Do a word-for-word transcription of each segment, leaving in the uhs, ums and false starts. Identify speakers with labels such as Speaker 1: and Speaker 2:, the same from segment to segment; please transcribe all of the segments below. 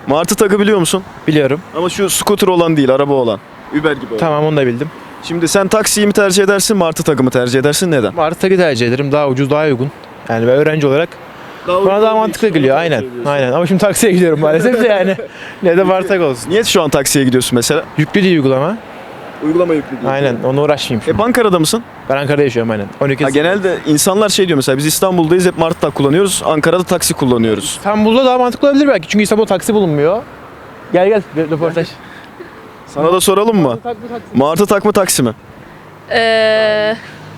Speaker 1: Martı takı biliyor musun?
Speaker 2: Biliyorum.
Speaker 1: Ama şu scooter olan değil, araba olan. Uber gibi olan.
Speaker 2: Tamam, onu da bildim.
Speaker 1: Şimdi sen taksiyi mi tercih edersin, Martı takı mı tercih edersin? Neden?
Speaker 2: Martı takı tercih ederim. Daha ucuz, daha uygun. Yani ben öğrenci olarak bana daha mantıklı geliyor. Aynen. Aynen. Ama şimdi taksiye gidiyorum maalesef de yani. Ne de Martı takı olsun.
Speaker 1: Niye şu an taksiye gidiyorsun mesela?
Speaker 2: Yüklü değil uygulama.
Speaker 1: Uygulama yüklü değil.
Speaker 2: Aynen. Onunla uğraşmayayım şimdi.
Speaker 1: Hep Ankara'da mısın?
Speaker 2: Ben Ankara'da yaşıyorum aynen. on iki
Speaker 1: Ha, genelde insanlar şey diyor mesela biz İstanbul'dayız hep Martı tak kullanıyoruz. Ankara'da taksi kullanıyoruz.
Speaker 2: İstanbul'da daha mantıklı olabilir belki. Çünkü İstanbul'da taksi bulunmuyor. Gel gel bir röportaj.
Speaker 1: Sana da soralım mı? Martı tak mı taksi mi?
Speaker 3: Ee,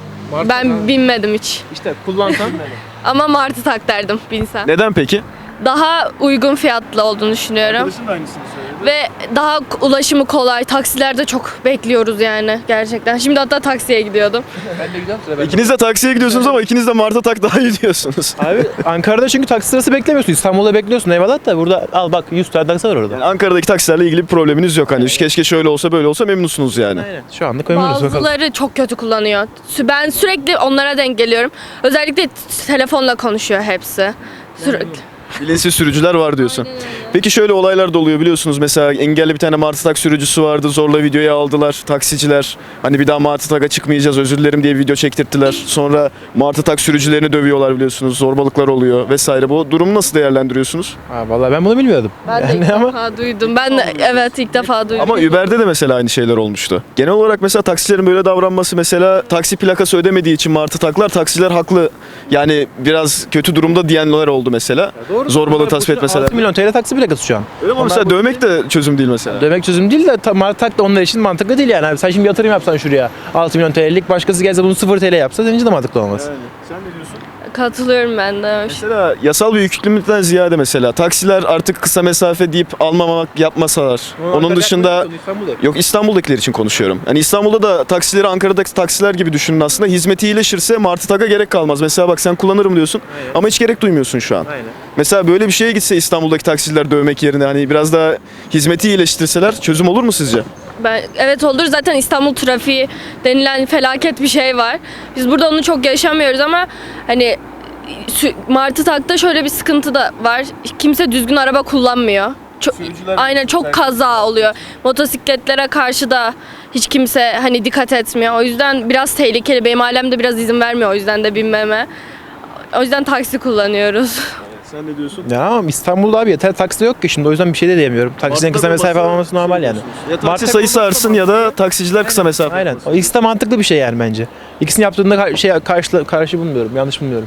Speaker 3: ben binmedim hiç.
Speaker 2: İşte kullansan.
Speaker 3: Ama martı tak derdim binsem.
Speaker 1: Neden peki?
Speaker 3: Daha uygun fiyatlı olduğunu düşünüyorum.
Speaker 1: da aynısını söyledi.
Speaker 3: Ve daha ulaşımı kolay. Taksilerde çok bekliyoruz yani gerçekten. Şimdi hatta taksiye gidiyordum.
Speaker 2: Ben de gidiyorum sıra.
Speaker 1: İkiniz de taksiye gidiyorsunuz ama ikiniz de Martı tak daha iyi diyorsunuz.
Speaker 2: Abi Ankara'da çünkü taksi sırası beklemiyorsun. İstanbul'da bekliyorsun eyvallah da burada al bak yüz tane taksi var orada.
Speaker 1: Yani Ankara'daki taksilerle ilgili bir probleminiz yok hani. Keşke şöyle olsa böyle olsa memnunsunuz yani.
Speaker 2: Aynen. Şu anlık memnunuz bakalım.
Speaker 3: Bazıları çok kötü kullanıyor. Sü- Ben sürekli onlara denk geliyorum. Özellikle t- telefonla konuşuyor hepsi. Sürekli.
Speaker 1: Bilinçsiz sürücüler var diyorsun. Peki şöyle olaylar da oluyor biliyorsunuz. Mesela engelli bir tane Martı tak sürücüsü vardı. Zorla videoya aldılar taksiciler. Hani bir daha Martı tak'a çıkmayacağız özür dilerim diye video çektirttiler. Sonra Martı tak sürücülerini dövüyorlar biliyorsunuz. Zorbalıklar oluyor vesaire. Bu durumu nasıl değerlendiriyorsunuz?
Speaker 2: Ha, vallahi ben bunu bilmiyordum.
Speaker 3: Ben de
Speaker 2: Yani
Speaker 3: ilk
Speaker 2: ama
Speaker 3: defa duydum. Ben de evet ilk defa duydum.
Speaker 1: Ama Uber'de de mesela aynı şeyler olmuştu. Genel olarak mesela taksilerin böyle davranması mesela taksi plakası ödemediği için Martı taklar taksiler haklı. Yani biraz kötü durumda diyenler oldu mesela. Zorbalığı tasvip etmeseler.
Speaker 2: altı milyon T L taksi plakası şu an.
Speaker 1: Öyle mi?
Speaker 2: Onlar
Speaker 1: Mesela
Speaker 2: bu-
Speaker 1: dövmek de çözüm değil mesela.
Speaker 2: Demek çözüm değil de ta- Martı tak da onlar için mantıklı değil yani. Abi sen şimdi yatırım yapsan şuraya altı milyon T L'lik başkası gelse bunu sıfır T L yapsa senin için de mantıklı olmaz.
Speaker 1: Sen ne diyorsun?
Speaker 3: Katılıyorum ben de.
Speaker 1: Mesela yasal bir yükümlülükten ziyade mesela taksiler artık kısa mesafe deyip almamak yapmasalar. Onun dışında yok İstanbul'dakiler için konuşuyorum. Yani İstanbul'da da taksileri Ankara'daki taksiler gibi düşünün aslında. Hizmeti iyileşirse Martı Tak'a gerek kalmaz. Mesela bak sen kullanırım diyorsun
Speaker 2: Aynen.
Speaker 1: ama hiç gerek duymuyorsun şu an.
Speaker 2: Aynen.
Speaker 1: Mesela böyle bir şeye gitse İstanbul'daki taksiciler dövmek yerine hani biraz daha hizmeti iyileştirseler çözüm olur mu sizce?
Speaker 3: Ben, evet olur zaten İstanbul trafiği denilen felaket bir şey var. Biz burada onu çok yaşamıyoruz ama hani sü- Martı Tak'ta şöyle bir sıkıntı da var. Kimse düzgün araba kullanmıyor. Çok, aynen çok kaza oluyor. Motosikletlere karşı da hiç kimse hani dikkat etmiyor. O yüzden biraz tehlikeli. Benim ailem de biraz izin vermiyor o yüzden de binmeme. O yüzden taksi kullanıyoruz.
Speaker 1: Sen ne diyorsun?
Speaker 2: Ya ama İstanbul'da abi yeter taksi yok ki şimdi o yüzden bir şey de diyemiyorum. Taksinin kısa mesafe almaması normal yani.
Speaker 1: Ya taksi
Speaker 2: Martı
Speaker 1: sayısı artsın ya da taksiciler kısa mesafe.
Speaker 2: Aynen. O ikisi de mantıklı bir şey yani bence. İkisini yaptığında ka- şey karşı karşı bulmuyorum. Yanlış bulmuyorum.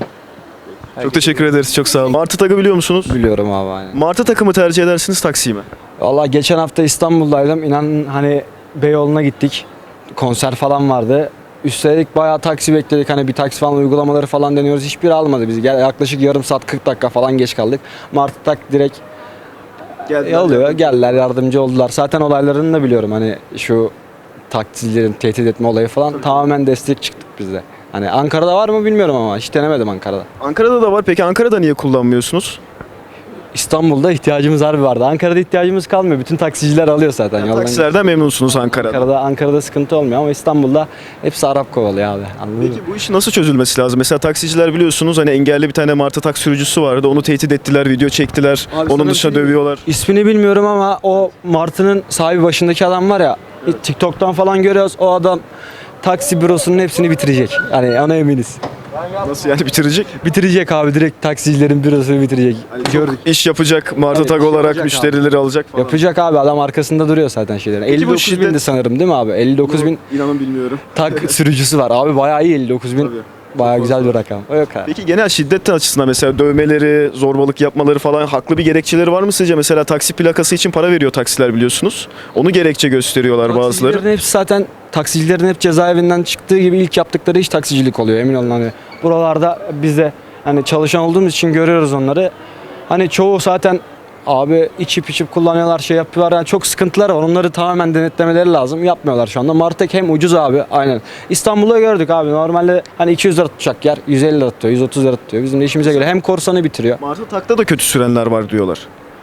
Speaker 1: Çok teşekkür ederiz. Çok sağ olun. Martı Tak'ı biliyor musunuz?
Speaker 4: Biliyorum abi aynen.
Speaker 1: Martı Tak'ı mı tercih edersiniz taksiyi mi?
Speaker 4: Valla geçen hafta İstanbul'daydım. İnan hani Beyoğlu'na gittik. Konser falan vardı. Üstelik bayağı taksi bekledik. Hani bir taksi falan uygulamaları falan deniyoruz. Hiçbiri almadı bizi. Gel, yaklaşık yarım saat kırk dakika falan geç kaldık. Martı Tak direkt
Speaker 1: Geldiler.
Speaker 4: alıyor. Geldiler yardımcı oldular. Zaten olaylarını da biliyorum. Hani şu taksicilerin tehdit etme olayı falan tamamen destek çıktık biz de. Hani Ankara'da var mı bilmiyorum ama hiç denemedim Ankara'da.
Speaker 1: Ankara'da da var. Peki Ankara'da niye kullanmıyorsunuz?
Speaker 4: İstanbul'da ihtiyacımız harbi vardı. Ankara'da ihtiyacımız kalmıyor. Bütün taksiciler alıyor zaten.
Speaker 1: Yani
Speaker 4: Yoldan-
Speaker 1: taksilerden memnunsunuz Ankara'da.
Speaker 4: Ankara'da Ankara'da sıkıntı olmuyor ama İstanbul'da hepsi Arap kovalıyor abi. Anladın mı?
Speaker 1: Peki bu iş nasıl çözülmesi lazım? Mesela taksiciler biliyorsunuz hani engelli bir tane Martı tak sürücüsü vardı. Onu tehdit ettiler, video çektiler.
Speaker 4: Abi
Speaker 1: Onun
Speaker 4: sana
Speaker 1: dışında
Speaker 4: bir şey
Speaker 1: dövüyorlar.
Speaker 4: İsmini bilmiyorum ama o Martı'nın sahibi başındaki adam var ya. TikTok'tan falan görüyoruz. O adam taksi bürosunun hepsini bitirecek. Yani ona eminiz.
Speaker 1: Nasıl yani bitirecek?
Speaker 4: Bitirecek abi direkt taksicilerin bürosunu bitirecek.
Speaker 1: Gördük. İş yapacak, Martı
Speaker 4: Tabii,
Speaker 1: tak
Speaker 4: iş
Speaker 1: olarak
Speaker 4: yapacak
Speaker 1: müşterileri alacak falan.
Speaker 4: Yapacak abi adam arkasında duruyor zaten şeylerin.
Speaker 1: Peki bu
Speaker 4: elli dokuz
Speaker 1: şiddet-
Speaker 4: bindi sanırım değil mi abi? elli dokuz bin
Speaker 1: İnanın bilmiyorum.
Speaker 4: tak sürücüsü var. Abi bayağı iyi elli dokuz bin.
Speaker 1: Tabii.
Speaker 4: Bayağı güzel bir rakam. O yok abi.
Speaker 1: Peki genel şiddet açısından mesela dövmeleri, zorbalık yapmaları falan haklı bir gerekçeleri var mı sizce? Mesela taksi plakası için para veriyor taksiler biliyorsunuz. Onu gerekçe gösteriyorlar bazıları.
Speaker 4: Taksicilerin hepsi zaten taksicilerin hep cezaevinden çıktığı gibi ilk yaptıkları iş taksicilik oluyor emin olun hani. Buralarda biz de hani çalışan olduğumuz için görüyoruz onları. Hani çoğu zaten abi içip içip kullanıyorlar şey yapıyorlar yani çok sıkıntılar var onları tamamen denetlemeleri lazım yapmıyorlar şu anda. Martek hem ucuz abi aynen. İstanbul'da gördük abi normalde hani iki yüz lira tutacak yer yüz elli lira tutuyor yüz otuz lira tutuyor bizim de işimize göre hem korsanı bitiriyor.
Speaker 1: Martı takta da kötü sürenler var diyorlar.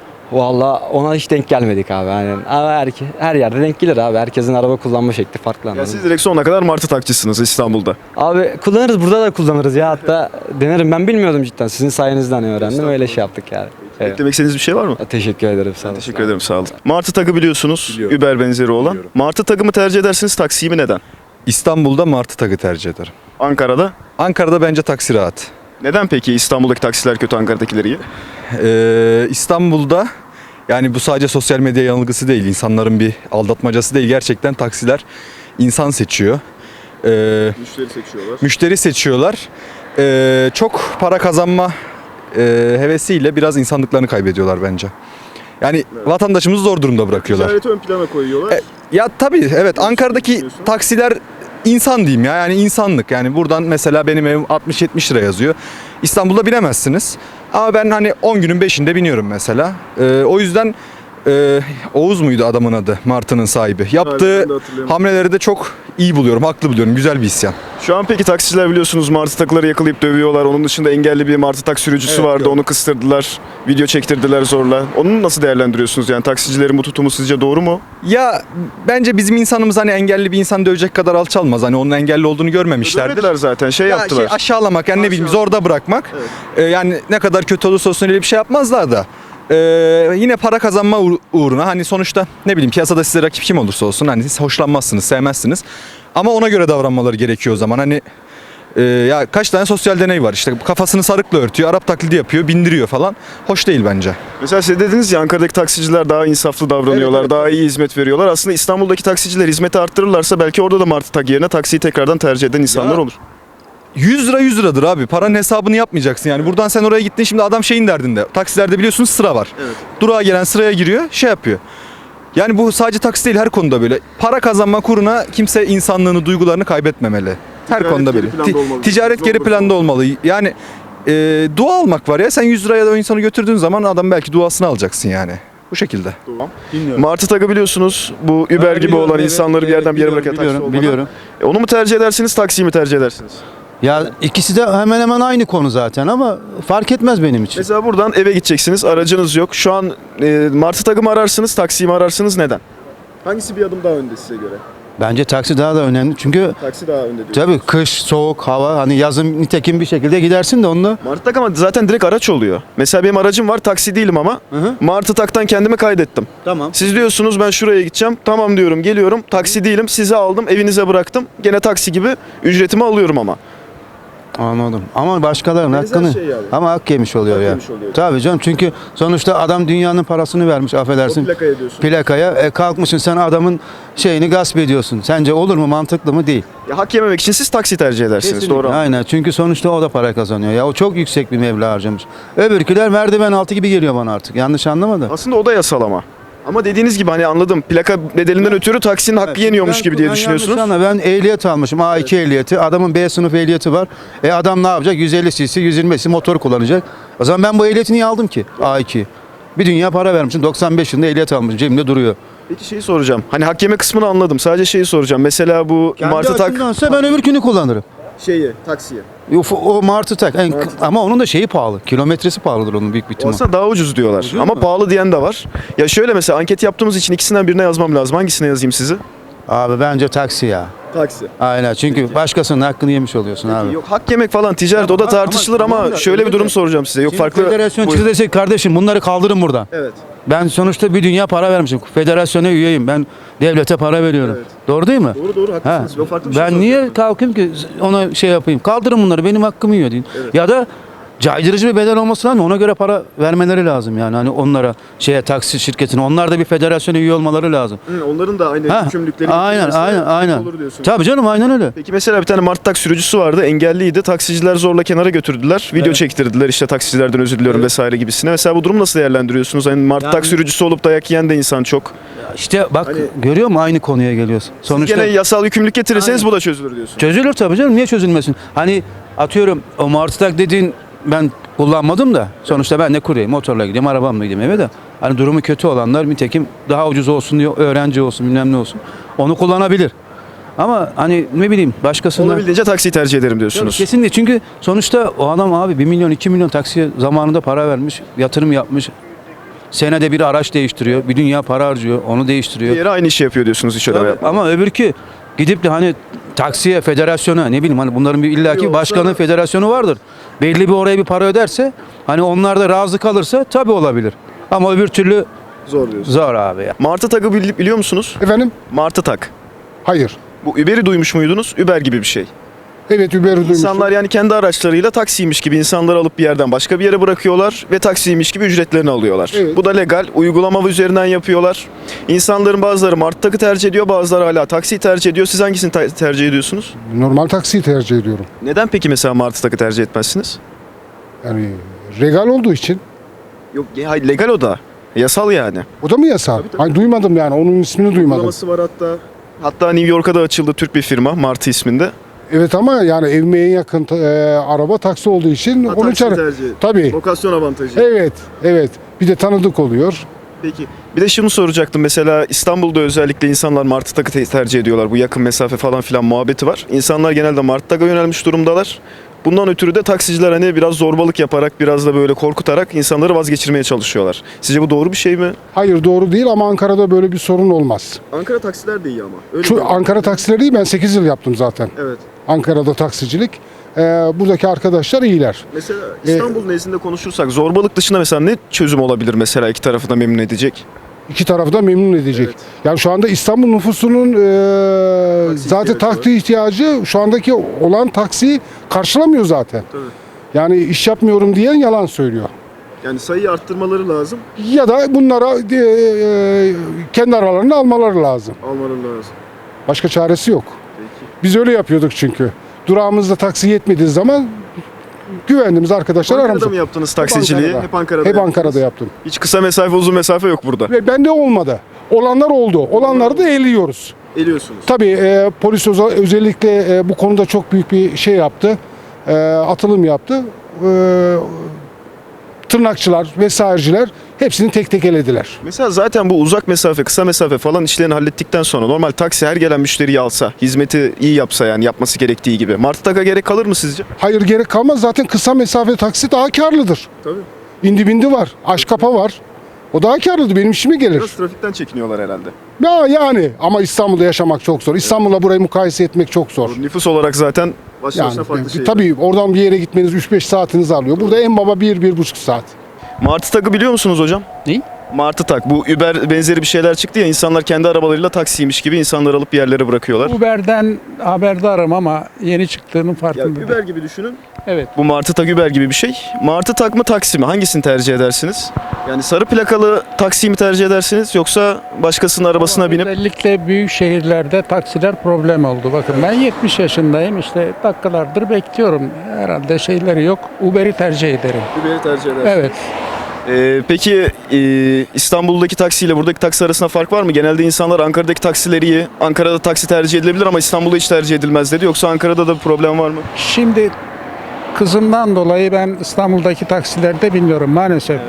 Speaker 4: Valla ona hiç denk gelmedik abi aynen. Ama her, her yerde denk gelir abi herkesin araba kullanma şekli farklı.
Speaker 1: Ya
Speaker 4: anladın
Speaker 1: siz
Speaker 4: mı?
Speaker 1: direkt sonuna kadar Martı takçısınız İstanbul'da.
Speaker 4: Abi kullanırız burada da kullanırız ya hatta denerim ben bilmiyordum cidden sizin sayenizde hani öğrendim öyle şey yaptık yani. Evet.
Speaker 1: Eklemek istediğiniz bir şey var mı?
Speaker 4: Teşekkür ederim. Sağ olun.
Speaker 1: Teşekkür ederim, sağ olun. Martı tagı biliyorsunuz,
Speaker 5: Biliyorum.
Speaker 1: Uber benzeri olan.
Speaker 5: Biliyorum.
Speaker 1: Martı tagı mı tercih edersiniz, taksiyi mi, neden?
Speaker 5: İstanbul'da martı tagı tercih ederim.
Speaker 1: Ankara'da?
Speaker 5: Ankara'da bence taksi rahat.
Speaker 1: Neden peki İstanbul'daki taksiler kötü, Ankara'dakiler iyi?
Speaker 5: Ee, İstanbul'da yani bu sadece sosyal medya yanılgısı değil, insanların bir aldatmacası değil. Gerçekten taksiler insan seçiyor. Ee,
Speaker 1: Müşteri seçiyorlar.
Speaker 5: müşteri seçiyorlar. Ee, çok para kazanma e, hevesiyle biraz insanlıklarını kaybediyorlar bence. Yani vatandaşımızı zor durumda bırakıyorlar.
Speaker 1: Ticareti ön plana koyuyorlar.
Speaker 5: E, ya tabii evet, Ankara'daki
Speaker 1: düşünüyorsun?
Speaker 5: taksiler insan diyeyim ya, yani insanlık. Yani buradan mesela benim evim altmış yetmiş lira yazıyor. İstanbul'da binemezsiniz. Ama ben hani on günün beşinde biniyorum mesela. Ee, o yüzden e, Oğuz muydu adamın adı, Martı'nın sahibi. Yaptığı
Speaker 1: ben de hatırlıyorum.
Speaker 5: hamleleri de çok iyi buluyorum, haklı buluyorum. Güzel bir isyan.
Speaker 1: Şu an peki taksiciler biliyorsunuz martı takıları yakalayıp dövüyorlar. Onun dışında engelli bir martı tak sürücüsü
Speaker 5: Evet,
Speaker 1: vardı.
Speaker 5: gördüm.
Speaker 1: Onu kıstırdılar. Video çektirdiler zorla. Onu nasıl değerlendiriyorsunuz? Yani taksicilerin bu tutumu sizce doğru mu?
Speaker 5: Ya bence bizim insanımız hani engelli bir insan dövecek kadar alçalmaz. Hani onun engelli olduğunu görmemişlerdir.
Speaker 1: Dövmediler zaten. Şey
Speaker 5: Ya
Speaker 1: yaptılar.
Speaker 5: şey, aşağılamak yani ne bileyim
Speaker 1: Aşağılamak.
Speaker 5: zorda bırakmak.
Speaker 1: Evet.
Speaker 5: Ee, yani ne kadar kötü olursa olsun öyle bir şey yapmazlar da. Ee, yine para kazanma uğ- uğruna hani sonuçta ne bileyim piyasada size rakip kim olursa olsun hani siz hoşlanmazsınız, sevmezsiniz. Ama ona göre davranmaları gerekiyor o zaman. Hani e, ya kaç tane sosyal deney var işte, kafasını sarıkla örtüyor, Arap taklidi yapıyor, bindiriyor falan. Hoş değil bence.
Speaker 1: Mesela siz dediniz ya Ankara'daki taksiciler daha insaflı davranıyorlar.
Speaker 5: Evet, evet,
Speaker 1: daha iyi hizmet veriyorlar. Aslında İstanbul'daki taksiciler hizmeti arttırırlarsa belki orada da martı tak yerine taksiyi tekrardan tercih eden insanlar
Speaker 5: Ya,
Speaker 1: olur.
Speaker 5: yüz lira yüz liradır abi. Paranın hesabını yapmayacaksın yani. Buradan sen oraya gittin, şimdi adam şeyin derdinde. Taksilerde biliyorsunuz sıra var.
Speaker 1: Evet.
Speaker 5: Durağa gelen sıraya giriyor, şey yapıyor. Yani bu sadece taksi değil, her konuda böyle. Para kazanma kuruna kimse insanlığını, duygularını kaybetmemeli. Her
Speaker 1: Ticaret
Speaker 5: konuda
Speaker 1: geri
Speaker 5: böyle.
Speaker 1: planda
Speaker 5: Ti-
Speaker 1: olmalı.
Speaker 5: ticaret
Speaker 1: Zor
Speaker 5: geri
Speaker 1: bir
Speaker 5: planda olmalı. Yani e, dua almak var ya. Sen yüz liraya da o insanı götürdüğün zaman adam belki duasını alacaksın yani. Bu şekilde.
Speaker 1: Martı takı biliyorsunuz. Bu Uber gibi
Speaker 6: biliyorum,
Speaker 1: olan
Speaker 6: evet,
Speaker 1: insanları bir yerden bir yere
Speaker 6: biliyorum,
Speaker 1: bırakan taksi
Speaker 6: biliyorum,
Speaker 1: olmadan.
Speaker 6: biliyorum.
Speaker 1: E, onu mu tercih edersiniz, taksiyi mi tercih edersiniz?
Speaker 6: Ya ikisi de hemen hemen aynı konu zaten ama fark etmez benim için.
Speaker 1: Mesela buradan eve gideceksiniz, aracınız yok. Şu an e, martı takı mı ararsınız, taksiyi mi ararsınız, neden? Hangisi bir adım daha önde size göre?
Speaker 6: Bence taksi daha da önemli. Çünkü
Speaker 1: Taksi daha önde diyor.
Speaker 6: tabii kış, soğuk, hava hani yazın nitekim bir şekilde gidersin de onunla.
Speaker 1: Martı tak ama zaten direkt araç oluyor. Mesela benim aracım var, taksi değilim ama
Speaker 6: Hı hı.
Speaker 1: Martı taktan kendimi kaydettim.
Speaker 6: Tamam.
Speaker 1: Siz diyorsunuz ben şuraya gideceğim. Tamam diyorum, geliyorum. Taksi değilim, sizi aldım, evinize bıraktım. Gene taksi gibi ücretimi alıyorum ama.
Speaker 6: Anladım. Ama başkalarının
Speaker 1: Benzer
Speaker 6: hakkını
Speaker 1: şey yani.
Speaker 6: ama hak yemiş oluyor
Speaker 1: Hak
Speaker 6: ya.
Speaker 1: yemiş oluyor.
Speaker 6: Tabii canım çünkü sonuçta adam dünyanın parasını vermiş affedersin.
Speaker 1: plakaya diyorsun.
Speaker 6: Plakaya e, kalkmışsın sen adamın şeyini gasp ediyorsun. Sence olur mu, mantıklı mı? Değil.
Speaker 1: Ya, hak yememek için siz taksi tercih edersiniz.
Speaker 6: Kesinlikle.
Speaker 1: Doğru.
Speaker 6: Aynen çünkü sonuçta o da para kazanıyor. Ya o çok yüksek bir meblağ harcamış. Öbürküler merdiven altı gibi geliyor bana artık. Yanlış anlama da.
Speaker 1: Aslında o da yasal ama. Ama dediğiniz gibi hani anladım. Plaka bedelinden ötürü taksinin hakkı yeniyormuş
Speaker 6: Ben-
Speaker 1: gibi diye
Speaker 6: ben
Speaker 1: düşünüyorsunuz.
Speaker 6: yanlış anla, ben ehliyet almışım. A iki ehliyeti. Adamın B sınıf ehliyeti var. E adam ne yapacak? yüz elli cc, yüz yirmi cc motor kullanacak. O zaman ben bu ehliyeti niye aldım ki? A iki. Bir dünya para vermişim. doksan beş yılında ehliyet almışım. Cebimde duruyor.
Speaker 1: Peki şeyi soracağım. Hani hak yeme kısmını anladım. Sadece şeyi soracağım. Mesela bu
Speaker 6: Kendi
Speaker 1: martı tak
Speaker 6: açımdansa ben öbürkünü kullanırım.
Speaker 1: şeyi, taksiye.
Speaker 6: O, o martı tak. En- ama onun da şeyi pahalı. Kilometresi pahalıdır onun büyük bir ihtimal.
Speaker 1: Aslında daha ucuz diyorlar.
Speaker 6: Ucuz
Speaker 1: Ama
Speaker 6: mu?
Speaker 1: pahalı diyen de var. Ya şöyle mesela anket yaptığımız için ikisinden birine yazmam lazım. Hangisine yazayım sizi?
Speaker 6: Abi bence taksi ya.
Speaker 1: Taksi.
Speaker 6: Aynen çünkü başkasının hakkını yemiş oluyorsun abi.
Speaker 1: Yok hak yemek falan ticaret o da
Speaker 6: Ama-
Speaker 1: tartışılır ama,
Speaker 6: tamam da
Speaker 1: şöyle bir
Speaker 6: öyle
Speaker 1: durum
Speaker 6: de.
Speaker 1: soracağım size. Yok
Speaker 6: Şimdi
Speaker 1: farklı.
Speaker 6: federasyon
Speaker 1: Buyurun.
Speaker 6: çıktı desek kardeşim bunları kaldırın buradan.
Speaker 1: Evet.
Speaker 6: Ben sonuçta bir dünya para vermişim. Federasyona üyeyim. Ben devlete para veriyorum.
Speaker 1: Evet.
Speaker 6: Doğru değil mi?
Speaker 1: Doğru doğru
Speaker 6: Ha.
Speaker 1: haklısınız. Yok farklı bir şey
Speaker 6: Ben niye kalkayım ki ona şey yapayım? Kaldırın bunları benim hakkımı yiyor deyin.
Speaker 1: Evet.
Speaker 6: Ya da caydırıcı bir bedel olması lazım. Ona göre para vermeleri lazım yani. Hani onlara şeye taksi şirketine onlar da bir federasyona üye olmaları lazım.
Speaker 1: Hı, onların da aynı
Speaker 6: Ha,
Speaker 1: yükümlülükleri
Speaker 6: aynen
Speaker 1: getirilmesi
Speaker 6: aynen aynen.
Speaker 1: olur diyorsun.
Speaker 6: Tabii canım aynen öyle.
Speaker 1: Peki mesela bir tane martı tak sürücüsü vardı. Engelliydi. Taksiciler zorla kenara götürdüler. Video çektirdiler. İşte taksicilerden özür diliyorum vesaire gibisine. Mesela bu durumu nasıl değerlendiriyorsunuz? Hani martı
Speaker 6: Yani-
Speaker 1: tak sürücüsü olup dayak yiyen de insan çok.
Speaker 6: İşte bak
Speaker 1: Hani-
Speaker 6: görüyor musun aynı konuya geliyorsun. Sonuçta
Speaker 1: Gene yasal yükümlülük getirirseniz
Speaker 6: Aynen.
Speaker 1: bu da çözülür diyorsun.
Speaker 6: çözülür tabii canım. Niye çözülmesin? Hani atıyorum o martı tak dediğin ben kullanmadım da sonuçta ben de kuryeyim. Motorla gideyim, arabamla gideyim eve de. Hani durumu kötü olanlar nitekim daha ucuz olsun diyor, öğrenci olsun bilmem ne olsun. Onu kullanabilir. Ama hani ne bileyim başkasından...
Speaker 1: Olabildiğince taksiyi tercih ederim
Speaker 6: Tabii
Speaker 1: diyorsunuz.
Speaker 6: kesinlikle çünkü sonuçta o adam abi bir milyon iki milyon taksiye zamanında para vermiş, yatırım yapmış. Senede bir araç değiştiriyor, bir dünya para harcıyor, onu
Speaker 1: Bir
Speaker 6: değiştiriyor.
Speaker 1: yere aynı işi yapıyor diyorsunuz iş ödeme
Speaker 6: Tabii,
Speaker 1: yapmadan.
Speaker 6: ama öbürkü gidip de hani taksiye, federasyona ne bileyim hani bunların bir illaki
Speaker 1: Yoksa-
Speaker 6: başkanın federasyonu vardır. Belli bir oraya bir para öderse hani onlar da razı kalırsa tabii olabilir. Ama öbür türlü
Speaker 1: Zor diyorsun.
Speaker 6: zor abi ya.
Speaker 1: Martı Tag'ı bil- biliyor musunuz?
Speaker 7: Efendim?
Speaker 1: Martı Tag.
Speaker 7: Hayır.
Speaker 1: Bu Uber'i duymuş muydunuz? Uber gibi bir şey.
Speaker 7: Evet, Uber'i duymuştum.
Speaker 1: İnsanlar yani kendi araçlarıyla taksiymiş gibi insanları alıp bir yerden başka bir yere bırakıyorlar ve taksiymiş gibi ücretlerini alıyorlar.
Speaker 7: Evet.
Speaker 1: Bu da legal. Uygulama üzerinden yapıyorlar. İnsanların bazıları Martı Tag'ı tercih ediyor, bazıları hala taksiyi tercih ediyor. Siz hangisini ta- tercih ediyorsunuz?
Speaker 7: Normal taksiyi tercih ediyorum.
Speaker 1: Neden peki mesela Martı Tag'ı tercih etmezsiniz?
Speaker 7: Yani regal olduğu için.
Speaker 1: Yok, ya- hayır, legal o da. Yasal yani.
Speaker 7: O da mı yasal? Ay, duymadım yani. Onun ismini duymadım.
Speaker 1: Uygulaması var hatta. Hatta New York'a da açıldı Türk bir firma Martı isminde.
Speaker 7: Evet ama yani evime en yakın e, araba taksi olduğu için
Speaker 1: Ha,
Speaker 7: onun
Speaker 1: taksiyi
Speaker 7: için.
Speaker 1: tercih.
Speaker 7: Tabii.
Speaker 1: Lokasyon avantajı.
Speaker 7: Evet, evet. Bir de tanıdık oluyor.
Speaker 1: Peki. Bir de şunu soracaktım. Mesela İstanbul'da özellikle insanlar Martı Tag'ı te- tercih ediyorlar. Bu yakın mesafe falan filan muhabbeti var. İnsanlar genelde Martı Tag'a yönelmiş durumdalar. Bundan ötürü de taksiciler hani biraz zorbalık yaparak, biraz da böyle korkutarak insanları vazgeçirmeye çalışıyorlar. Sizce bu doğru bir şey mi?
Speaker 7: Hayır, doğru değil ama Ankara'da böyle bir sorun olmaz.
Speaker 1: Ankara taksiler de iyi ama. Öyle
Speaker 7: Şu Ankara taksileri değil, ben sekiz yıl yaptım zaten.
Speaker 1: Evet.
Speaker 7: Ankara'da taksicilik. Ee, buradaki arkadaşlar iyiler.
Speaker 1: Mesela İstanbul nezdinde konuşursak zorbalık dışında mesela ne çözüm olabilir mesela iki tarafı da memnun edecek?
Speaker 7: İki tarafı da memnun edecek.
Speaker 1: Evet.
Speaker 7: Yani şu anda İstanbul nüfusunun e,
Speaker 1: Taksi
Speaker 7: zaten
Speaker 1: ihtiyacı
Speaker 7: taksi ihtiyacı şu andaki olan taksiyi karşılamıyor zaten.
Speaker 1: Tabii.
Speaker 7: Yani iş yapmıyorum diyen yalan söylüyor.
Speaker 1: Yani sayıyı arttırmaları lazım,
Speaker 7: Ya da bunlara e, e, kendi aralarında almaları lazım.
Speaker 1: almaları lazım.
Speaker 7: Başka çaresi yok.
Speaker 1: Peki.
Speaker 7: Biz öyle yapıyorduk çünkü. Durağımızda taksi yetmediği zaman güvendiğimiz arkadaşlar
Speaker 1: Ankara'da
Speaker 7: aramızda.
Speaker 1: mı yaptınız taksiciliği?
Speaker 7: Ankara'da.
Speaker 1: Hep Ankara'da
Speaker 7: Hep
Speaker 1: yaptınız.
Speaker 7: Ankara'da yaptım.
Speaker 1: Hiç kısa mesafe uzun mesafe yok burada.
Speaker 7: Ve bende olmadı. Olanlar oldu. Olanları da eliyoruz.
Speaker 1: Eliyorsunuz.
Speaker 7: Tabii e, polis özel- özellikle e, bu konuda çok büyük bir şey yaptı. E, atılım yaptı. E, tırnakçılar vesaireciler hepsini tek tek elediler.
Speaker 1: Mesela zaten bu uzak mesafe, kısa mesafe falan işlerini hallettikten sonra normal taksi her gelen müşteriyi alsa, hizmeti iyi yapsa yani yapması gerektiği gibi. Martı Tag'a gerek kalır mı sizce?
Speaker 7: Hayır, gerek kalmaz. Zaten kısa mesafe taksi daha karlıdır.
Speaker 1: Tabii.
Speaker 7: İndi bindi var. Aşkapa var. O daha karlıdır. Benim işime gelir.
Speaker 1: Biraz trafikten çekiniyorlar herhalde.
Speaker 7: Ya yani ama İstanbul'da yaşamak çok zor. İstanbul'la burayı mukayese etmek çok zor.
Speaker 1: Nüfus olarak zaten başlı
Speaker 7: Yani
Speaker 1: başına farklı şey.
Speaker 7: tabii oradan bir yere gitmeniz üç beş saatinizi alıyor. Burada en baba bir bir buçuk saat.
Speaker 1: Martı Tag'ı biliyor musunuz hocam?
Speaker 8: Ne?
Speaker 1: Martı Tag. Bu Uber benzeri bir şeyler çıktı ya, insanlar kendi arabalarıyla taksiymiş gibi insanları alıp bir yerlere bırakıyorlar.
Speaker 8: Uber'den haberdarım ama yeni çıktığının
Speaker 1: Ya
Speaker 8: farkındayım.
Speaker 1: Uber gibi düşünün.
Speaker 8: Evet.
Speaker 1: Bu Martı Tag Uber gibi bir şey. Martı Tag mı taksi mi? Hangisini tercih edersiniz? Yani sarı plakalı taksiyi mi tercih edersiniz yoksa başkasının arabasına binip
Speaker 8: Özellikle büyük şehirlerde taksiler problem oldu. Bakın ben yetmiş yaşındayım, işte dakikalardır bekliyorum. Herhalde şeyleri yok. Uber'i tercih ederim.
Speaker 1: Uber'i tercih edersiniz?
Speaker 8: Evet.
Speaker 1: Ee, peki e, İstanbul'daki taksiyle buradaki taksi arasında fark var mı? Genelde insanlar Ankara'daki taksileri iyi, Ankara'da taksi tercih edilebilir ama İstanbul'da hiç tercih edilmez dedi. Yoksa Ankara'da da bir problem var mı?
Speaker 8: Şimdi kızımdan dolayı ben İstanbul'daki taksilerde bilmiyorum maalesef.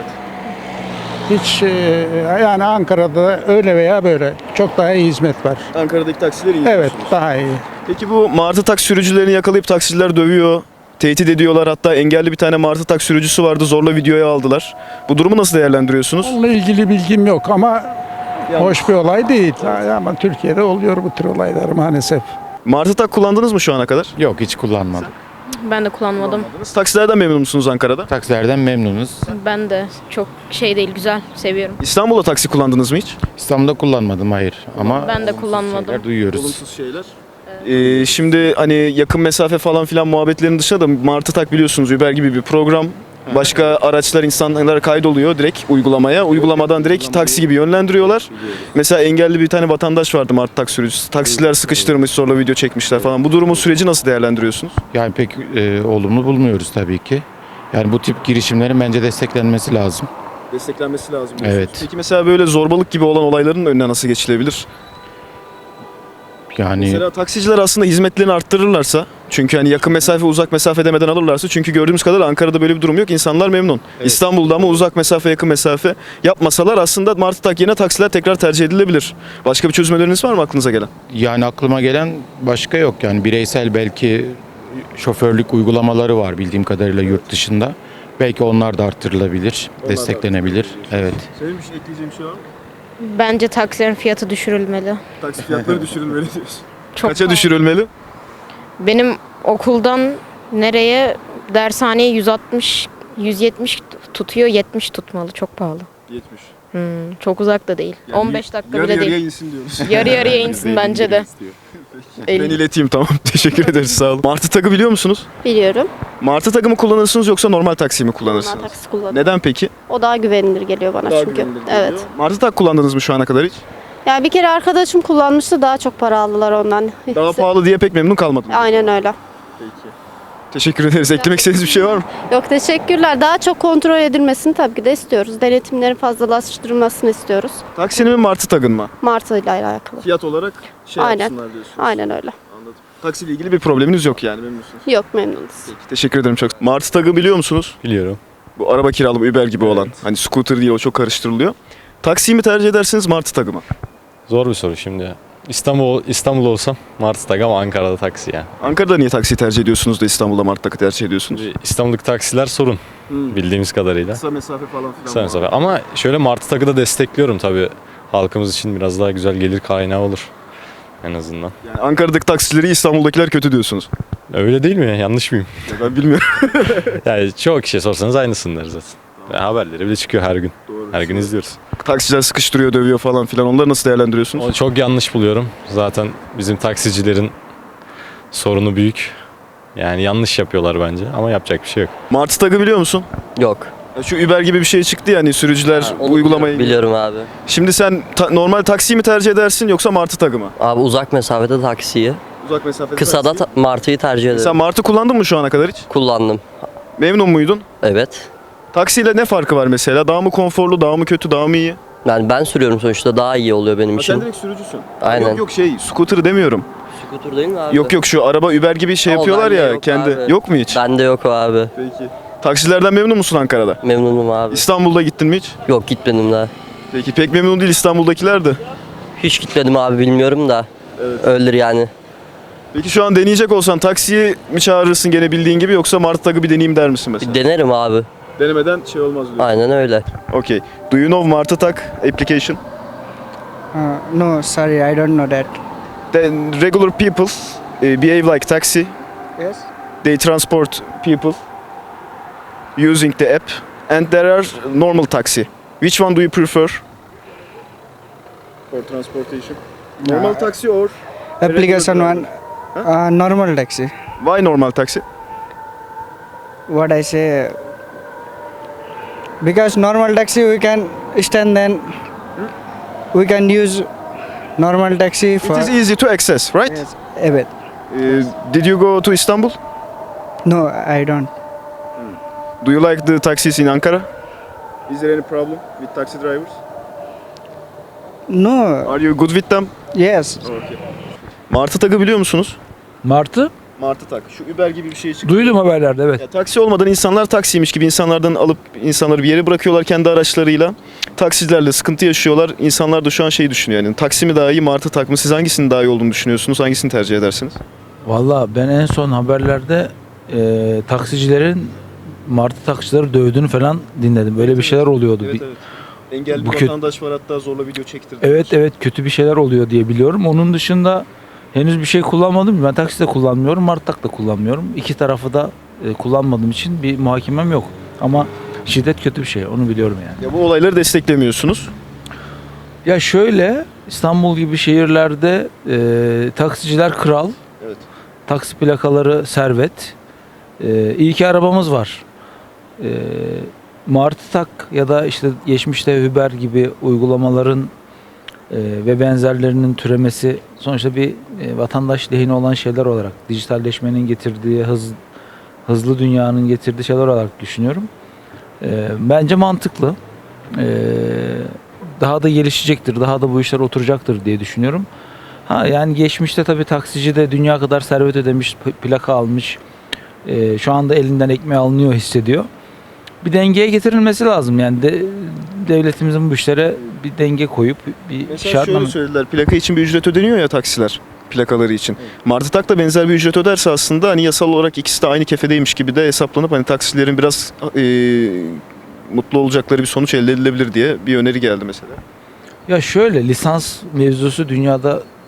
Speaker 8: Hiç e, yani Ankara'da öyle veya böyle çok daha iyi hizmet var.
Speaker 1: Ankara'daki taksiler iyi.
Speaker 8: Evet, daha iyi.
Speaker 1: Peki bu Martı Tag sürücülerini yakalayıp taksiciler dövüyor, tehdit ediyorlar. Hatta engelli bir tane Martı Tag sürücüsü vardı, zorla videoya aldılar. Bu durumu nasıl değerlendiriyorsunuz?
Speaker 8: Onunla ilgili bilgim yok ama hoş bir olay değil. Ama Türkiye'de oluyor bu tür olaylar maalesef.
Speaker 1: Martı Tag kullandınız mı şu ana kadar?
Speaker 9: Yok, hiç kullanmadım.
Speaker 3: Ben de kullanmadım.
Speaker 1: Taksilerden memnun musunuz Ankara'da?
Speaker 9: Taksilerden memnunuz.
Speaker 3: Ben de çok şey değil, güzel, seviyorum.
Speaker 1: İstanbul'da taksi kullandınız mı hiç?
Speaker 9: İstanbul'da kullanmadım, hayır. Ama
Speaker 3: Ben de
Speaker 9: olumsuz
Speaker 3: kullanmadım.
Speaker 9: şeyler duyuyoruz.
Speaker 1: Olumsuz şeyler. Ee, şimdi hani yakın mesafe falan filan muhabbetlerin dışında da Martı Tag biliyorsunuz Uber gibi bir program. Başka araçlar insanlara kaydoluyor direkt uygulamaya. Uygulamadan direkt taksi gibi yönlendiriyorlar. Mesela engelli bir tane vatandaş vardı Martı Tag sürücüsü. Taksiler sıkıştırmış, sonra video çekmişler falan. Bu durumun süreci nasıl değerlendiriyorsunuz?
Speaker 9: Yani pek e, olumlu bulmuyoruz tabii ki. Yani bu tip girişimlerin bence desteklenmesi lazım.
Speaker 1: Desteklenmesi lazım.
Speaker 9: Evet.
Speaker 1: Peki mesela böyle zorbalık gibi olan olayların önüne nasıl geçilebilir?
Speaker 9: Yani
Speaker 1: Mesela taksiciler aslında hizmetlerini arttırırlarsa, çünkü hani yakın mesafe uzak mesafe demeden alırlarsa, çünkü gördüğümüz kadarıyla Ankara'da böyle bir durum yok. İnsanlar memnun. İstanbul'da ama uzak mesafe yakın mesafe yapmasalar aslında Martı Tag yerine taksiler tekrar tercih edilebilir. Başka bir çözüm öneriniz var mı aklınıza gelen?
Speaker 9: yani aklıma gelen başka yok. Yani bireysel belki şoförlük uygulamaları var bildiğim kadarıyla yurt dışında. Belki onlar da arttırılabilir,
Speaker 1: Onlar da
Speaker 9: desteklenebilir. Evet.
Speaker 1: Senin bir şey ekleyeceğin bir şey var mı?
Speaker 3: Bence taksilerin fiyatı düşürülmeli.
Speaker 1: Taksi fiyatları düşürülmeli diyorsun.
Speaker 10: Çok
Speaker 1: Kaça
Speaker 10: pahalı.
Speaker 1: düşürülmeli?
Speaker 10: Benim okuldan nereye dershaneye yüz altmış yüz yetmiş tutuyor, yetmiş tutmalı. Çok pahalı.
Speaker 1: yetmiş.
Speaker 10: Hmm, çok uzak da değil.
Speaker 1: Yani
Speaker 10: on beş dakika
Speaker 1: yarı
Speaker 10: bile
Speaker 1: yarıya
Speaker 10: değil.
Speaker 1: insin diyoruz.
Speaker 10: Yarı yarıya insin bence de.
Speaker 1: Ben
Speaker 10: elli.
Speaker 1: ileteyim, tamam. Teşekkür ederiz, sağ olun. Martı tagı biliyor musunuz?
Speaker 11: Biliyorum.
Speaker 1: Martı tagı mı kullanırsınız yoksa normal taksi mi kullanırsınız?
Speaker 11: Normal taksi kullanıyorum.
Speaker 1: Neden peki?
Speaker 11: O daha güvenilir geliyor bana
Speaker 1: Daha
Speaker 11: çünkü.
Speaker 1: güvenilir geliyor.
Speaker 11: Evet.
Speaker 1: Martı tak kullandınız mı şu ana kadar hiç?
Speaker 11: Yani bir kere arkadaşım kullanmıştı, daha çok para aldılar ondan.
Speaker 1: Daha pahalı diye pek memnun kalmadınız.
Speaker 11: Aynen öyle.
Speaker 1: Peki. Teşekkür ederiz. Eklemek istediğiniz bir şey var mı?
Speaker 11: Yok, teşekkürler. Daha çok kontrol edilmesini tabii ki de istiyoruz. Denetimlerin fazlalaştırılmasını istiyoruz.
Speaker 1: Taksinin mi Martı tagın mı?
Speaker 11: Martı ile alakalı.
Speaker 1: Fiyat olarak şey
Speaker 11: Aynen.
Speaker 1: yapsınlar diyorsunuz.
Speaker 11: Aynen öyle.
Speaker 1: Anladım. Taksiyle ilgili bir probleminiz yok yani, memnunsunuz.
Speaker 11: Yok, memnunuz.
Speaker 1: Peki, teşekkür ederim çok. Martı tagı biliyor musunuz?
Speaker 12: Biliyorum.
Speaker 1: Bu araba kiralama Uber gibi olan. Hani scooter değil, o çok karıştırılıyor. Taksiyi mi tercih edersiniz, Martı tagı mı?
Speaker 12: Zor bir soru şimdi. İstanbul İstanbul olsam Martı tak ama Ankara'da taksi ya.
Speaker 1: Ankara'da niye taksiyi tercih ediyorsunuz da İstanbul'da Martı takı tercih ediyorsunuz?
Speaker 12: Şimdi İstanbul'daki taksiler sorun bildiğimiz kadarıyla.
Speaker 1: Kısa mesafe falan filan.
Speaker 12: Kısa mesafe. Ama şöyle Martı takı da destekliyorum tabii. Halkımız için biraz daha güzel gelir kaynağı olur en azından.
Speaker 1: Yani Ankara'daki taksileri İstanbul'dakiler kötü diyorsunuz.
Speaker 12: Öyle değil mi? Yanlış mıyım?
Speaker 1: Ya ben bilmiyorum.
Speaker 12: Yani çoğu kişiye sorsanız aynısın der zaten. Ya haberleri bile çıkıyor her gün. Her gün izliyoruz.
Speaker 1: Taksiciler sıkıştırıyor, dövüyor falan filan. Onları nasıl değerlendiriyorsunuz?
Speaker 12: O çok yanlış buluyorum. Zaten bizim taksicilerin sorunu büyük. Yani yanlış yapıyorlar bence ama yapacak bir şey yok.
Speaker 1: Martı tagı biliyor musun?
Speaker 13: Yok.
Speaker 1: Ya şu Uber gibi bir şey çıktı ya, hani sürücüler
Speaker 13: Onu
Speaker 1: uygulamayı...
Speaker 13: biliyorum abi.
Speaker 1: Şimdi sen ta- normal taksiyi mi tercih edersin yoksa Martı tagı mı?
Speaker 13: Abi uzak mesafede taksiyi,
Speaker 1: Uzak mesafede
Speaker 13: kısada ta- martıyı tercih ederim.
Speaker 1: Sen Martı kullandın mı şu ana kadar hiç?
Speaker 13: Kullandım.
Speaker 1: Memnun muydun?
Speaker 13: Evet.
Speaker 1: Taksiyle ne farkı var mesela? Daha mı konforlu, daha mı kötü, daha mı iyi?
Speaker 13: Yani ben sürüyorum sonuçta, daha iyi oluyor benim
Speaker 1: Ha,
Speaker 13: için.
Speaker 1: sen direkt sürücüsün.
Speaker 13: Aynen.
Speaker 1: Yok yok şey, scooter demiyorum.
Speaker 13: Scooter değil mi abi?
Speaker 1: Yok yok şu araba Uber gibi şey
Speaker 13: O
Speaker 1: yapıyorlar
Speaker 13: bende
Speaker 1: ya
Speaker 13: yok
Speaker 1: kendi.
Speaker 13: abi.
Speaker 1: Yok mu hiç?
Speaker 13: Bende yok o abi.
Speaker 1: Peki. Taksilerden memnun musun Ankara'da?
Speaker 13: Memnunum abi.
Speaker 1: İstanbul'da gittin mi hiç?
Speaker 13: Yok, gitmedim daha.
Speaker 1: Peki pek memnun değil İstanbul'dakiler de.
Speaker 13: Hiç gitmedim abi, bilmiyorum da. Öyledir yani.
Speaker 1: Peki şu an deneyecek olsan taksiyi mi çağırırsın gene bildiğin gibi yoksa Martı tagı bir deneyeyim der misin mesela?
Speaker 13: Bir denerim abi.
Speaker 1: Denemeden şey olmaz diyor.
Speaker 13: Aynen öyle.
Speaker 1: Okay. Do you know Martı tag application?
Speaker 8: Uh, no, sorry, I don't know that.
Speaker 1: Then regular people uh, behave like taxi.
Speaker 8: Yes.
Speaker 1: They transport people using the app, and there are normal taxi. Which one do you prefer? For transportation. Normal taxi or
Speaker 8: Application one, uh, normal taxi.
Speaker 1: why normal taxi?
Speaker 8: What I say, because normal taxi we can stand, then we can use normal taxi
Speaker 1: It
Speaker 8: for.
Speaker 1: is easy to access, right?
Speaker 8: Yes. Evet.
Speaker 1: Uh, did you go to Istanbul?
Speaker 8: No, I don't.
Speaker 1: Do you like the taxis in Ankara? Is there any problem with taxi drivers?
Speaker 8: No.
Speaker 1: Are you good with them?
Speaker 8: Yes.
Speaker 1: Martı tagı biliyor musunuz?
Speaker 14: Martı?
Speaker 1: Martı tak. Şu Uber gibi bir şey çıktı.
Speaker 14: Duydum haberlerde, evet.
Speaker 1: Ya, taksi olmadan insanlar taksiymiş gibi insanlardan alıp insanları bir yere bırakıyorlar kendi araçlarıyla. Taksicilerle sıkıntı yaşıyorlar. İnsanlar da şu an şeyi düşünüyor. Yani taksi mi daha iyi, Martı tak mı? Siz hangisinin daha iyi olduğunu düşünüyorsunuz? Hangisini tercih edersiniz?
Speaker 14: Valla ben en son haberlerde e, taksicilerin Martı taksicileri dövdüğünü falan dinledim. Böyle bir şeyler oluyordu. Bir-
Speaker 1: Engelli
Speaker 14: Bu
Speaker 1: bir
Speaker 14: kö-
Speaker 1: vatandaş var, hatta zorla video çektirdi.
Speaker 14: Evet evet, kötü bir şeyler oluyor diye biliyorum. Onun dışında henüz bir şey kullanmadım. Ben taksi de kullanmıyorum, Martı tak da kullanmıyorum. İki tarafı da e, kullanmadığım için bir muhakemem yok. Ama şiddet kötü bir şey, onu biliyorum yani.
Speaker 1: Ya bu olayları desteklemiyorsunuz.
Speaker 14: Ya şöyle, İstanbul gibi şehirlerde e, taksiciler kral,
Speaker 1: Evet.
Speaker 14: taksi plakaları servet. E, iyi ki arabamız var. E, Martı tak ya da işte geçmişte Uber gibi uygulamaların e, ve benzerlerinin türemesi sonuçta bir e, vatandaş lehine olan şeyler olarak, dijitalleşmenin getirdiği, hız, hızlı dünyanın getirdiği şeyler olarak düşünüyorum. E, bence mantıklı. E, daha da gelişecektir, daha da bu işler oturacaktır diye düşünüyorum. Ha yani geçmişte tabii taksici de dünya kadar servet ödemiş, p- plaka almış. E, şu anda elinden ekmeği alınıyor hissediyor. Bir dengeye getirilmesi lazım yani de, devletimizin bu işlere bir denge koyup bir
Speaker 1: Mesela
Speaker 14: şartname.
Speaker 1: şöyle söylediler. Plaka için bir ücret ödeniyor ya taksiler. Plakaları için. Martı tak da benzer bir ücret öderse aslında hani yasal olarak ikisi de aynı kefedeymiş gibi de hesaplanıp hani taksilerin biraz e, mutlu olacakları bir sonuç elde edilebilir diye bir öneri geldi mesela.
Speaker 14: Ya şöyle, lisans mevzusu dünyada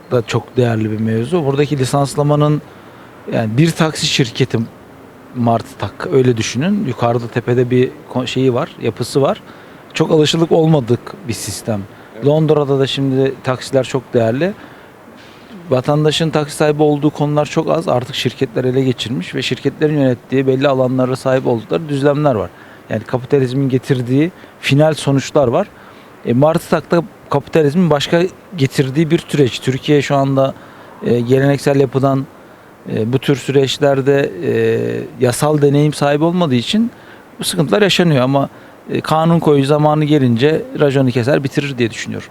Speaker 14: da çok değerli bir mevzu. Buradaki lisanslamanın yani bir taksi şirketi Martı Tak öyle düşünün. Yukarıda tepede bir ko- şeyi var, yapısı var. Çok alışılık olmadık bir sistem. Londra'da da şimdi taksiler çok değerli. Vatandaşın taksi sahibi olduğu konular çok az. Artık şirketler ele geçirmiş ve şirketlerin yönettiği belli alanlara sahip oldukları düzlemler var. Yani kapitalizmin getirdiği final sonuçlar var. E, Martı Tak'ta kapitalizmin başka getirdiği bir süreç. Türkiye şu anda e, geleneksel yapıdan e, bu tür süreçlerde e, yasal deneyim sahibi olmadığı için bu sıkıntılar yaşanıyor ama e, kanun koyucu zamanı gelince raconu keser bitirir diye düşünüyorum.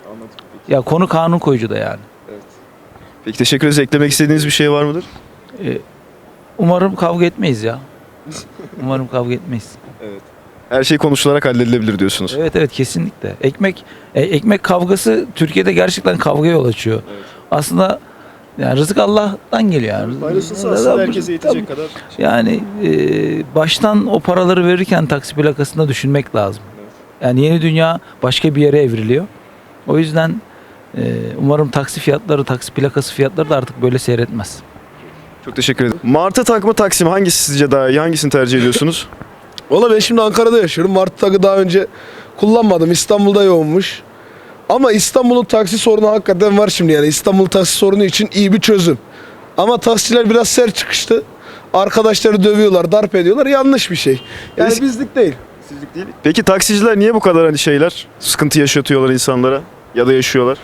Speaker 14: Ya konu kanun koyucu da yani.
Speaker 1: Peki teşekkür ederiz. Eklemek istediğiniz bir şey var mıdır?
Speaker 14: E, umarım kavga etmeyiz ya. Umarım kavga etmeyiz.
Speaker 1: Her şey konuşularak halledilebilir diyorsunuz.
Speaker 14: Evet evet kesinlikle. Ekmek e, ekmek kavgası Türkiye'de gerçekten kavgaya yol açıyor. Aslında yani rızık Allah'tan geliyor yani.
Speaker 1: Paylaşılsa
Speaker 14: Da-
Speaker 1: aslında
Speaker 14: da-
Speaker 1: herkese yetecek kadar.
Speaker 14: Yani e, baştan o paraları verirken taksi plakasında düşünmek lazım. Yani yeni dünya başka bir yere evriliyor. O yüzden e, umarım taksi fiyatları, taksi plakası fiyatları da artık böyle seyretmez.
Speaker 1: Çok teşekkür ederim. Martı Tak mı taksi mi? Hangisi sizce daha iyi? Hangisini tercih ediyorsunuz?
Speaker 15: Valla ben şimdi Ankara'da yaşıyorum. Martı Tak'ı daha önce kullanmadım. İstanbul'da yoğunmuş. Ama İstanbul'un taksi sorunu hakikaten var şimdi yani. İstanbul taksi sorunu için iyi bir çözüm. Ama taksiciler biraz sert çıkıştı. Arkadaşları dövüyorlar, darp ediyorlar. Yanlış bir şey. Yani
Speaker 1: Biz-
Speaker 15: bizlik değil.
Speaker 1: Sizlik değil. Peki taksiciler niye bu kadar hani şeyler, sıkıntı yaşatıyorlar insanlara ya da yaşıyorlar?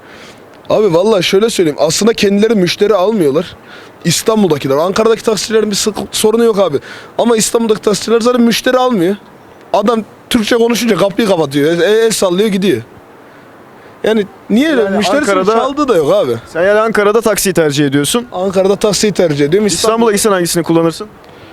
Speaker 15: Abi vallahi şöyle söyleyeyim. Aslında kendileri müşteri almıyorlar. İstanbul'dakiler. Ankara'daki taksicilerin bir sıkı- sorunu yok abi. Ama İstanbul'daki taksiciler zaten müşteri almıyor. Adam Türkçe konuşunca kapıyı kapatıyor. El, el sallıyor gidiyor. Yani niye öyle?
Speaker 1: Yani
Speaker 15: Müşterisini
Speaker 1: Ankara'da-
Speaker 15: çaldığı da yok abi.
Speaker 1: Sen yani Ankara'da taksiyi tercih ediyorsun.
Speaker 15: Ankara'da taksiyi tercih ediyorum.
Speaker 1: İstanbul'a gitsen hangisini kullanırsın?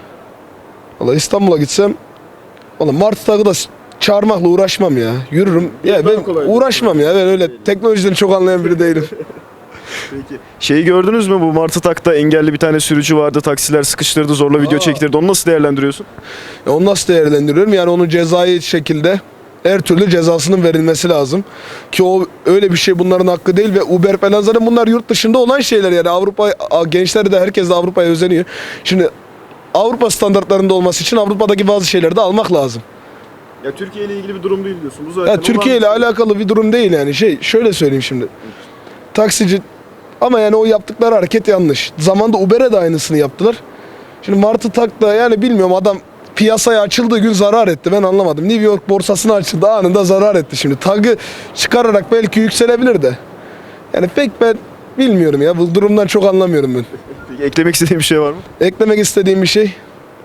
Speaker 15: Valla İstanbul'a gitsem valla Martı Tak'ı da s- çağırmakla uğraşmam ya. Yürürüm. Ya ben
Speaker 1: kolay.
Speaker 15: uğraşmam ya. Ben öyle teknolojiden çok anlayan biri değilim.
Speaker 1: Peki. Şeyi gördünüz mü bu Martı Tak'ta engelli bir tane sürücü vardı. Taksiler sıkıştırdı, zorla video
Speaker 15: Aa.
Speaker 1: çektirdi. Onu nasıl değerlendiriyorsun?
Speaker 15: Ya onu nasıl değerlendiriyorum? Yani onun cezai şekilde her türlü cezasının verilmesi lazım. Ki o öyle bir şey bunların hakkı değil ve Uber falan zaten bunlar yurt dışında olan şeyler yani Avrupa a- gençler de herkes de Avrupa'ya özeniyor. Şimdi Avrupa standartlarında olması için Avrupa'daki bazı şeyleri de almak lazım.
Speaker 1: Ya Türkiye ile ilgili bir durum değil diyorsun. Bu
Speaker 15: Ya Türkiye ile alakalı bir durum değil yani. Şey şöyle söyleyeyim şimdi. Taksici ama yani o yaptıkları hareket yanlış. Zamanında Uber'e de aynısını yaptılar. Şimdi Martı Tak da yani bilmiyorum adam piyasaya açıldığı gün zarar etti. Ben anlamadım. New York borsasına açıldı anında zarar etti şimdi. Tag'ı çıkararak belki yükselebilir de. Yani pek ben bilmiyorum ya. Bu durumdan çok anlamıyorum ben.
Speaker 1: Peki, eklemek istediğin bir şey var mı?
Speaker 15: Eklemek istediğim bir şey.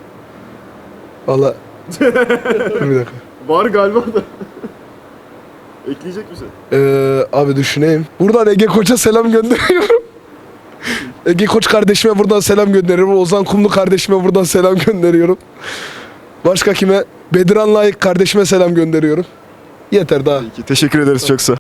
Speaker 15: Valla. Bir dakika.
Speaker 1: Var galiba da. Ekleyecek misin?
Speaker 15: Ee, abi düşüneyim. Buradan Ege Koç'a selam gönderiyorum. Ege Koç kardeşime buradan selam gönderiyorum. Ozan Kumlu kardeşime buradan selam gönderiyorum. Başka kime? Bediran Layık kardeşime selam gönderiyorum. Yeter daha.
Speaker 1: Peki, teşekkür ederiz çok sağ ol.